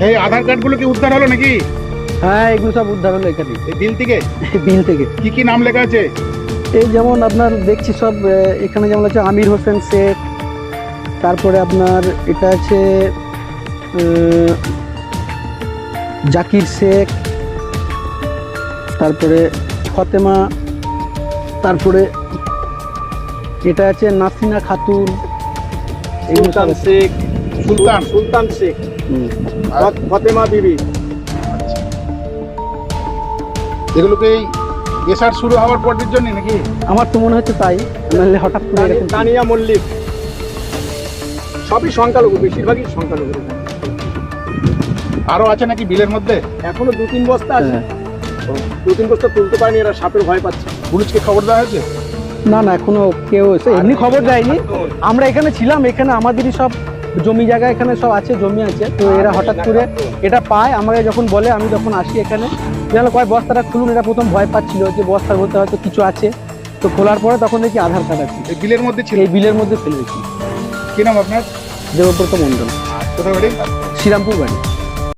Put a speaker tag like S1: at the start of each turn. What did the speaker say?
S1: এই আধার কার্ডগুলো কি উদ্ধার হলো নাকি?
S2: হ্যাঁ, এগুলো সব উদ্ধার হলো এখানে,
S1: এই বিল থেকে?
S2: বিল থেকে।
S1: কি কি নাম লেখা আছে?
S2: এই যেমন আপনার দেখছি সব এখানে যেমন আছে আমির হোসেন শেখ, তারপরে আপনার এটা আছে জাকির শেখ, তারপরে ফতেমা, তারপরে এটা আছে নাসিনা খাতুন, এগুলো সব
S3: সুলতান
S2: আছে।
S3: শেখ,
S1: সুলতান।
S3: সুলতান শেখ,
S2: হুম।
S3: ফতেমা বিবি।
S1: এগুলোকে এই এসআর শুরু হওয়ার পরের জন্য নাকি?
S2: আমার তো মনে হচ্ছে তাই, নাহলে হঠাৎ করে এরকম।
S3: তানিয়া মল্লিক, সবই সংখ্যালঘু, বেশিরভাগই সংখ্যালঘু।
S1: আরো আছে নাকি বিলের মধ্যে?
S3: এখনো 2-3 বস্তা আছে,
S2: হ্যাঁ।
S3: 2-3 বস্তা তুলতে পারেনি, এরা সাপের ভয় পাচ্ছে।
S1: পুলিশকে খবর দেওয়া হয়েছে?
S2: না না, এখনো কেউ এসে এমনি খবর দেয়নি। আমরা এখানে ছিলাম, এখানে আমাদেরই সব জমি জায়গা এখানে সব আছে, জমি আছে। তো এরা হঠাৎ করে এটা পায়, আমাকে যখন বলে, আমি যখন আসি এখানে, জানো কয় বস্তাটা খুলুন, এরা প্রথম ভয় পাচ্ছিল যে বস্তার মধ্যে হয়তো কিছু আছে। তো খোলার পরে তখন দেখি আধার কার্ড আছে,
S1: এই বিলের মধ্যে ছিল?
S2: এই বিলের মধ্যে ফেলে রেখেছি।
S1: কি নাম আপনার?
S2: দেবব্রত মণ্ডল,
S1: কোথায় বাড়ি?
S2: শ্রীরামপুর বাড়ি।